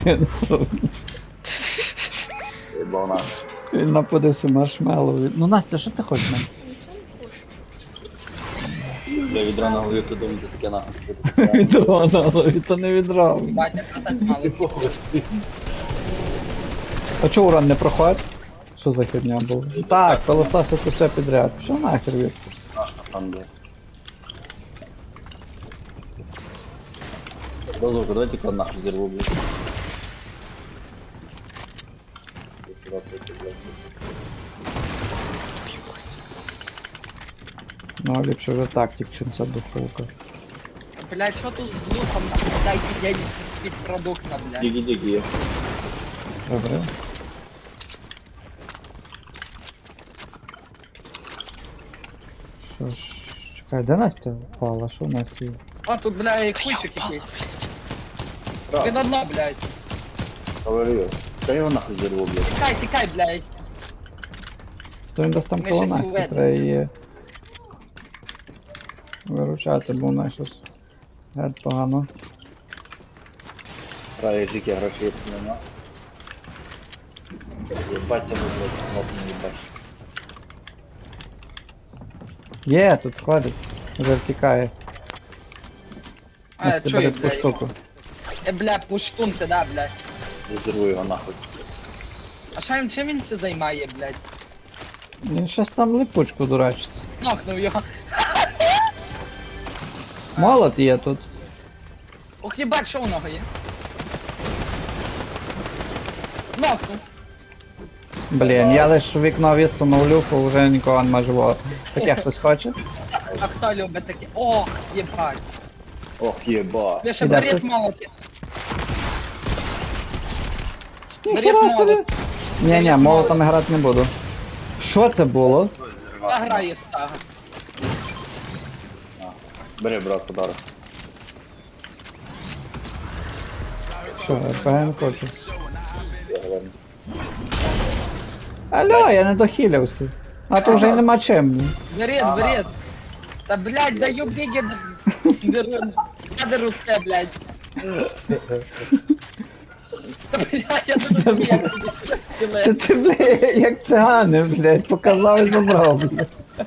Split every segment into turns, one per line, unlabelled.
Ебана.
Він напудився маршмеллоу. Ну Настя, що ти хочеш? Настя?
Я відра на голові придумати таке нахуй.
Відро на голові, то не відро.
Батя, а так мало.
А чого уран не проходить? Що за херня була? Так, пилососити все підряд. Що нахер від?
Наш пацан, блядь. Дозвольте, давайте код нахуй зірву, блядь.
Ну, ліпше вже тактик, чим ця духовка.
Блядь, що тут з луком? Дайте денег під продукта, блядь.
Диги-диги.
Добре. Що ж, чекай, де Настя впала? Що Настя?
О, тут, блядь, кульчик якийсь. Він одно, блядь.
Говорю. Та його нахуй зірву, блядь.
Тікай, тікай, блядь.
То він десь там
Ми
коло
щось
Насті,
уведемо.
треба її виручати, бо вона щось геть погано.
Правильно, жики грошей нема. Ебать себе, блядь, кнопку не ебать.
Є, тут ходить. Вже втікає.
А,
Настя
чую,
бере таку
блядь.
штуку.
Бля, пуштун ти, да, блядь.
Я зірву його нахуй.
А що він, чим він це займає, блядь?
Він щось там липучку дурачиться.
Нокнув його.
Молот є тут.
Ох, їбать, що у нього є? Нокнув.
Блін, я лиш вікно висунув люфу, вже нікого нема живого. Таке хтось хоче?
А хто любить таке? Ох, їбать.
Ох, єба.
Я ще
Іде
берет
хтось?
молоті.
Ніхера собі. Ні-ні, молотом грати не буду. Що це було?
Та грає стага.
Бери, брат, подарок.
Що, РПГ не хочу.
Я говорю.
Алло, я не дохилявся. А то вже й нема чим.
Берет, берет. Та, блядь, даю біги. Надо руске, блядь. Та, блядь, я тут собі як
Це ти, блядь, як цигани, блядь, показав і забрав, блядь.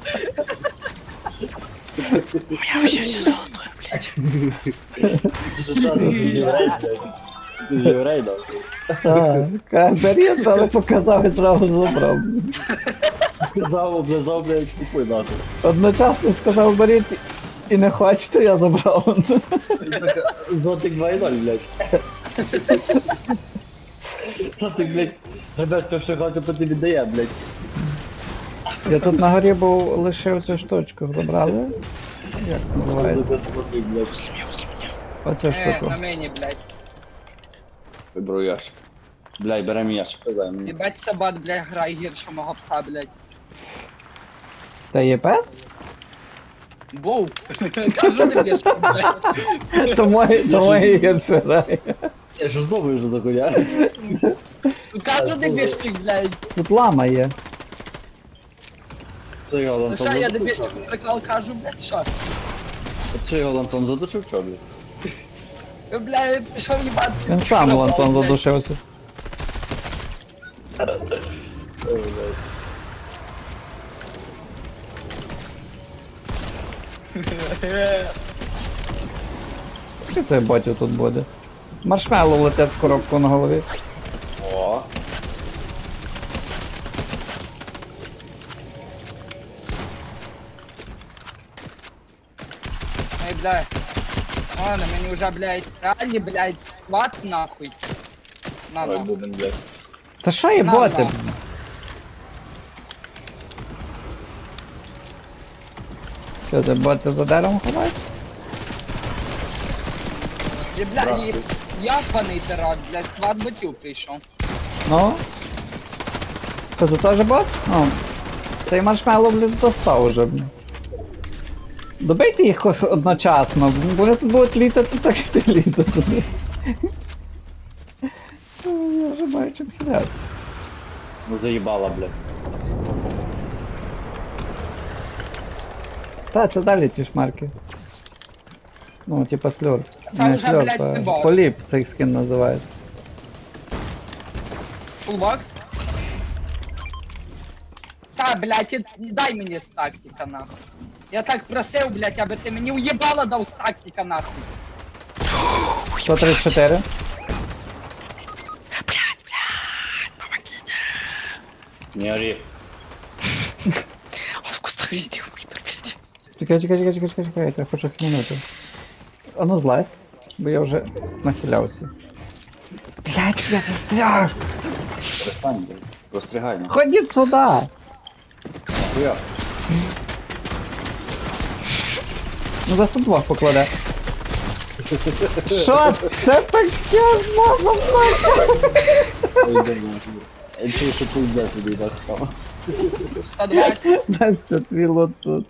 Ти з єврей, да?
Так, берет, але показав і зразу забрав.
Сказав, облизав, блядь, купуй нахуй.
Одночасно сказав беріть і не хочете, я забрав.
Зотик 2.0, блядь. Зотик, блядь, гребеш все, що хоче, по тобі дає, блядь.
Я тут на горі був лишив цю штучку, забрали? Як називається?
Зотик, блядь.
Оцю штуку.
на мені, блядь.
Виберу ящик. Блядь, берем ящик, казай мені.
Єбать, собак, блядь, грає гірше мого пса, блядь.
Та є пес?
Боу. Кажу тобі, що, блядь.
Тому і гірше грає.
Я ж думаю, що за хуйня.
Кажу тобі, що, блядь.
Тут лама є.
Що його
Ну
лантон
що, я
задушив?
тобі що прикол кажу, блядь, що?
Що його лантон задушив, що, блядь?
Ви, блядь, пішов їбатися.
Він сам лантон задушився.
Ой, блядь.
Що це ботів тут буде? Маршмеллоу летить з коробку на голові.
О.
Ай, блядь. Ладно, мені вже, блядь, реально, блядь, сват нахуй. На,
Ой,
на.
будем, блядь.
Та що є
На,
боти?
на.
Що це боти за деревом ховають?
І, блядь, я паний терат, блядь, сват ботів прийшов.
Ну? Що це теж бот? Ну. Цей маршмеллоу, блін, достав уже, блін. Добийте їх хоч одночасно, вони тут будуть літати, так що ти літати. Я вже маю чим хиляти.
Ну заїбала, блядь.
Та, це далі ці шмарки. Ну, типа сльор.
Це
Не
вже,
сльор,
блядь, не
а
бот.
поліп цей скин називають.
Фулбокс. Та, блядь, дай мені з тактика, нахуй. Я так просив, блядь, аби ти мені уєбало дав з тактика, нахуй.
134.
Не ори.
Он в кустах сидел, Митр, блядь.
Чекай, я хочу хмінути. А ну злазь, бо я вже нахилявся. Блять, я застряг!
Перестань, блядь. Розстригай, ну.
Ходіть сюди!
Хуя.
Ну за 102 покладе. Що це таке з мозом?
Ой, дай мені. Я чую, що ти йдеш туди, так само.
120.
Настя, твій лот тут.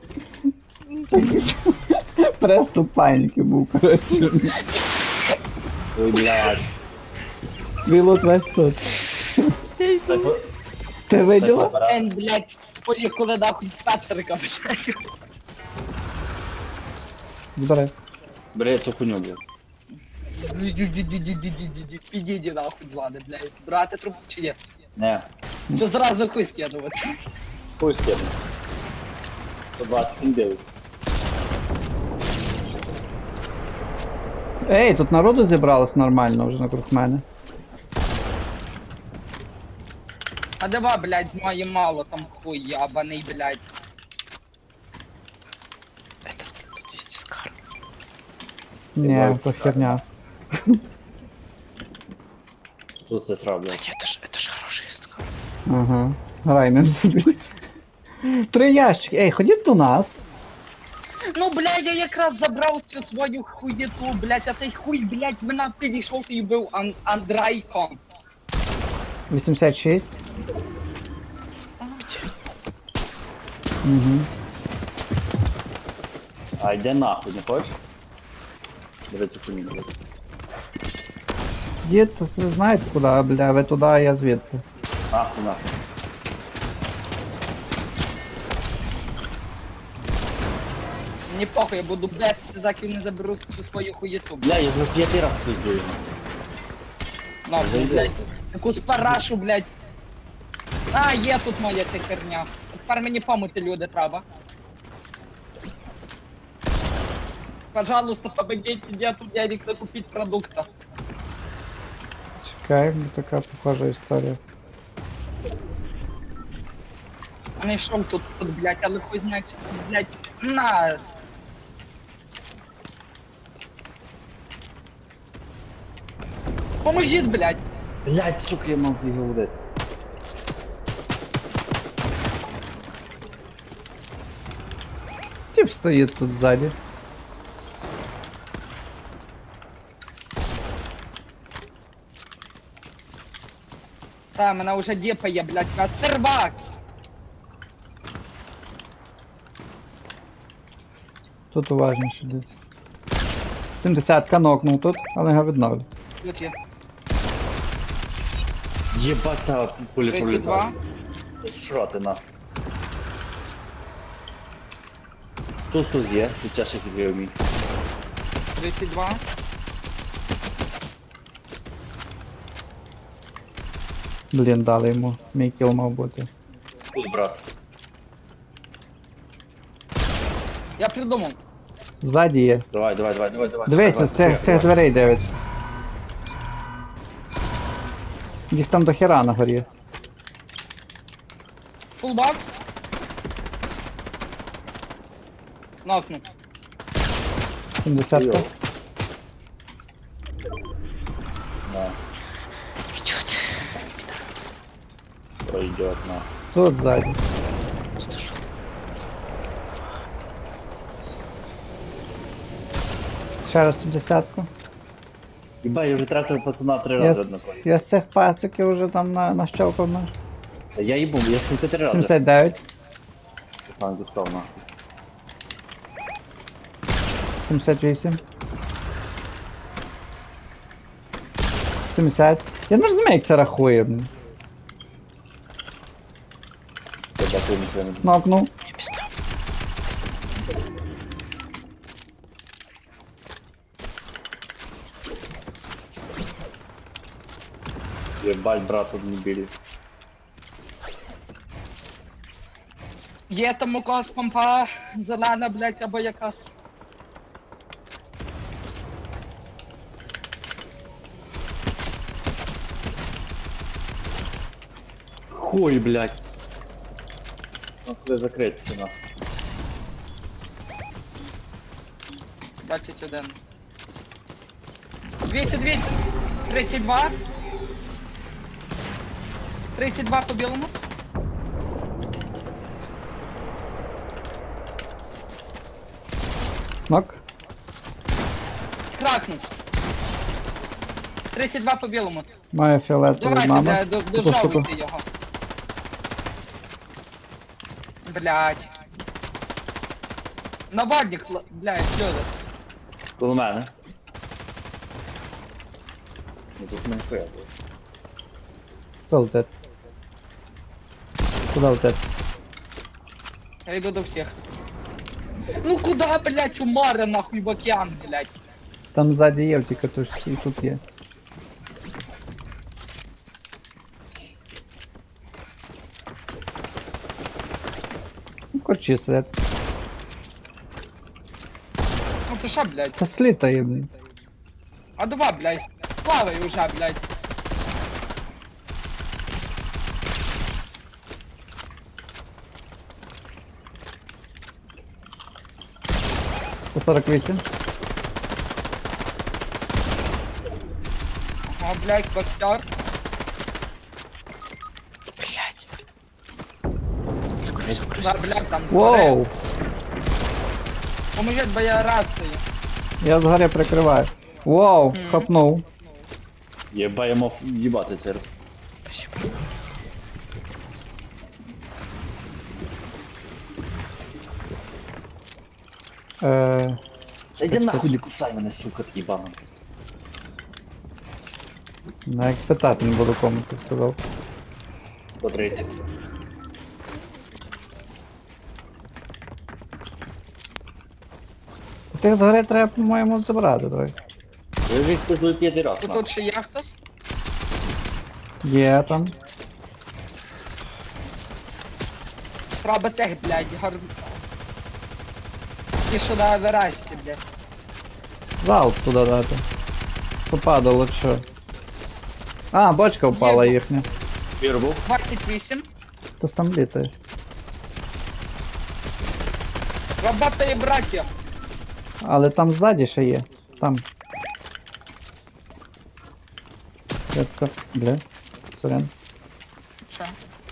Просто паніки був, коротше.
Ой, блядь.
Твій лот весь тут. Ти виділа?
Це, блядь, в полі, коли нахуй Петрика, блядь.
Збирай.
Бери ту хуйню, блядь.
Підійди нахуй, Влади, блядь. Брати трубку чи ні?
Не.
Чи зразу хуй скидувати?
Хуй скину. 129.
Ей, тут народу зібралось нормально вже навкруг мене.
А давай, блядь, з моєї мало там хуй ябаний, блядь.
Это тут есть дискар.
Ні, то херня.
Тут сестра,
Да
блядь.
нет, это ж хороший дискар.
Ага. Грай ним собі. 3 ящики. Ей, ходіть до нас.
Ну, блядь, я якраз забрав цю свою хуєту, блядь, а цей хуй, блядь, мене підійшов і був Андрайком.
86.
Где?
Угу.
А йде нахуй, не хочеш? Бери ту хуйню, блядь.
Дід, ви знаєте куди, бля, ви туди, а я звідти.
Нахуй, нахуй.
Мені похуй, я буду бетися, заки не заберу цю свою хуєту, блядь.
Бля, я вже 5 раз пиздую.
Нахуй, блядь. Якусь парашу, блядь. А, є тут моя ця херня. Тепер мені помити люди треба. Пожалуйста, помогите, нету денег на купить продукта.
Чекай, бо така похожа історія.
Знайшов тут, блядь, але хуй знає, чи тут, блядь, на. Поможіть, блядь.
Блядь, сука, я мав його удати.
Тип стоїть тут ззаді.
Та, мене вже діпає, блядь, на сервак.
Тут уважніше десь. 70-ка нокнув тут, але його відновлю.
Тут є.
Єбать, та пулі
32.
пролітали. Шроти нахуй. Тут є, тут тяжкий відвів мій.
32.
Блін, дали йому. Мій кіл мав бути.
Тут, брат.
Я придумав.
Ззаді є.
Давай.
Дивися, з цих дверей дивиться. Десь там до хера на горі.
Фулбокс. Нокнув.
70-ка.
Да,
Идет.
пройдет нахуй.
Тут ззаді.
Слышу.
Ще раз 70-ку.
Єбать, я вже тратив пацана 3
Я,
рази
з-
однакові.
я з цих пациків вже там нащелкав на
Та я їбу, я 73 рази.
79,
Пацан дістав нахуй.
78. 70. Я не розумію, як це рахує. блін.
Я дякую, нічого не
Нокнув.
Мне пизда.
Єбать, брат, тут не білі.
Є там у когось помпа зелена, блядь, або якась.
Хуй, блядь. Ну, треба закритися, нахуй.
21. 200. 32. 32 по білому.
Нок.
Кракнув. 32 по білому.
Має фіолетовий
Давайте,
мама.
дожовуйте його. Блять. Наводник, блять, люди.
Коло мене. Ну тут не хуя було.
Хто летить? Куди летить?
Я йду до всіх. Ну куда, блять, у море нахуй в океан, блять.
Там ззаді є, тільки тут і тут є. Ну, корчі сидять.
Ну ти що, блять?
Та слітає, блін.
А два, блять. Плавай уже, блять.
Сто 48.
О, блять, костер.
Блядь. Закрой, закрой,
Да,
закрой.
блять, там згори.
Воу!
Поможіть, бо я расою.
Я згоря прикриваю. Воу,
Мгм.
хапнув.
Єба, я мав їбати це.
Спасибо.
Та йди нахуй, не кусай мене, сука, ти їбана.
Як питати не буду кому це сказав.
По 30.
Тих згори треба, по-моєму, забрати, давай.
Я вже хтось летіти раз,
Тут
нахуй.
тут ще є хтось?
Є там.
Треба тех, блять, Ті, що на Евересті, блять.
Залп туди дати. Попадало що. А, бочка впала
Є.
їхня.
Пір був.
28.
Хтось там літає.
Работає, браття.
Але там ззаді ще є. Там. Редко. Бля. Сорян.
Що?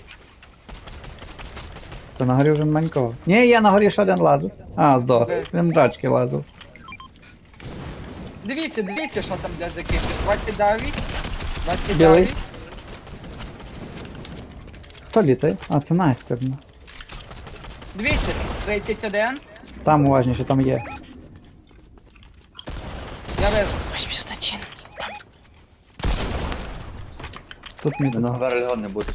То на горі вже маленького. Ні, я на горі ще один лазив. А, здох.
Де?
Він драчки лазив.
Дивіться, що там для закипів. 29.
Білий.
29.
Хто літає? А, це Настя.
Дивіться, 31.
Там уважніше, там є.
Я вижу.
81. Там.
Тут мій.
На Гверльгон не буде.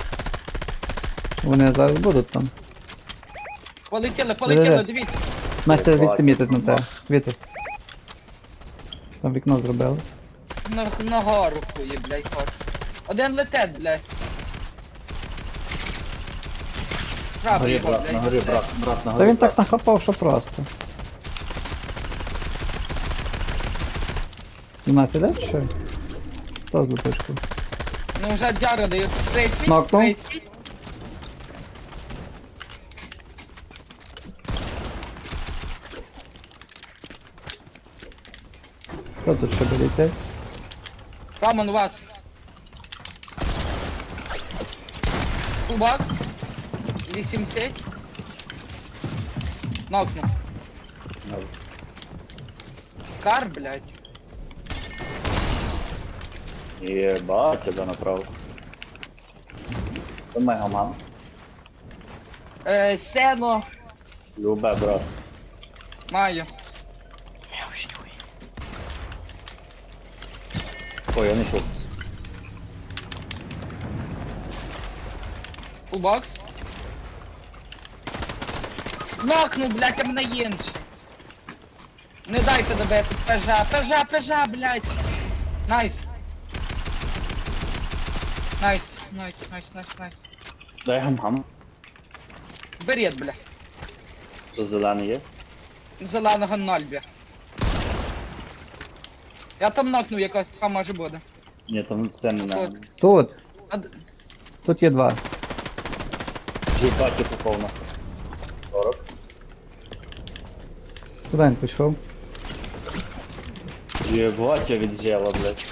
Вони зараз будуть там.
Полетіли,
Де-де-де.
дивіться.
Настя
Бачу.
звідти мітить на тебе. Вітер. Там вікно зробили.
На гору хує, блядь, хоч. Один летить, блядь.
На
Правий
горі,
його,
брат, на
блядь.
горі,
все.
брат, на
Та
горі.
він так нахапав, що просто. У нас іде чи що? Хто з лупишкою?
Ну вже дяра дають 30,
Нокнув.
30.
Хто тут ще буде йти?
Роман, у вас. Кубакс. 80. Нокнув. Скар, блядь.
Єбать, тебе направо. Це мегаман.
Сено.
Любе, брат.
Маю.
Я вообще нихуя.
Ой, я не чув.
Фулбокс. Нокнув, блядь, а мене єнче. Не дайте добити. Пежа, блядь. Найс. Найс, найс, найс, найс, найс.
Дай гам-гам.
Берет, бля.
Що зелений є?
Зеленого нальбі. Я там нокнув, якась така може буде.
Ні, там все не на.
Тут.
А,
Тут є два.
Жіпаки попав на 40.
Куди він пішов?
Єбать, я віджела, блядь.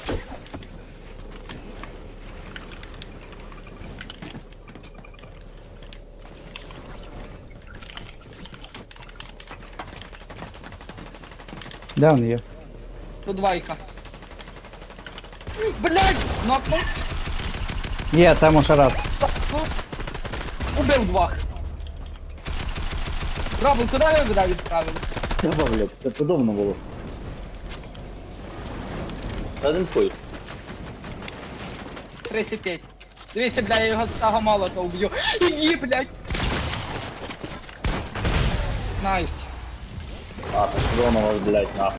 Де він є?
тут двойка. Блять! Нокнув.
Є, там ще раз.
Убив двох. Робин, куди ви мене відправили?
Це, блядь, це подобно було. Один хуй.
35. Дивіться, бля, я його з цього молота уб'ю. Іди, блядь! Найс.
А, ти подобно, блядь, нахуй.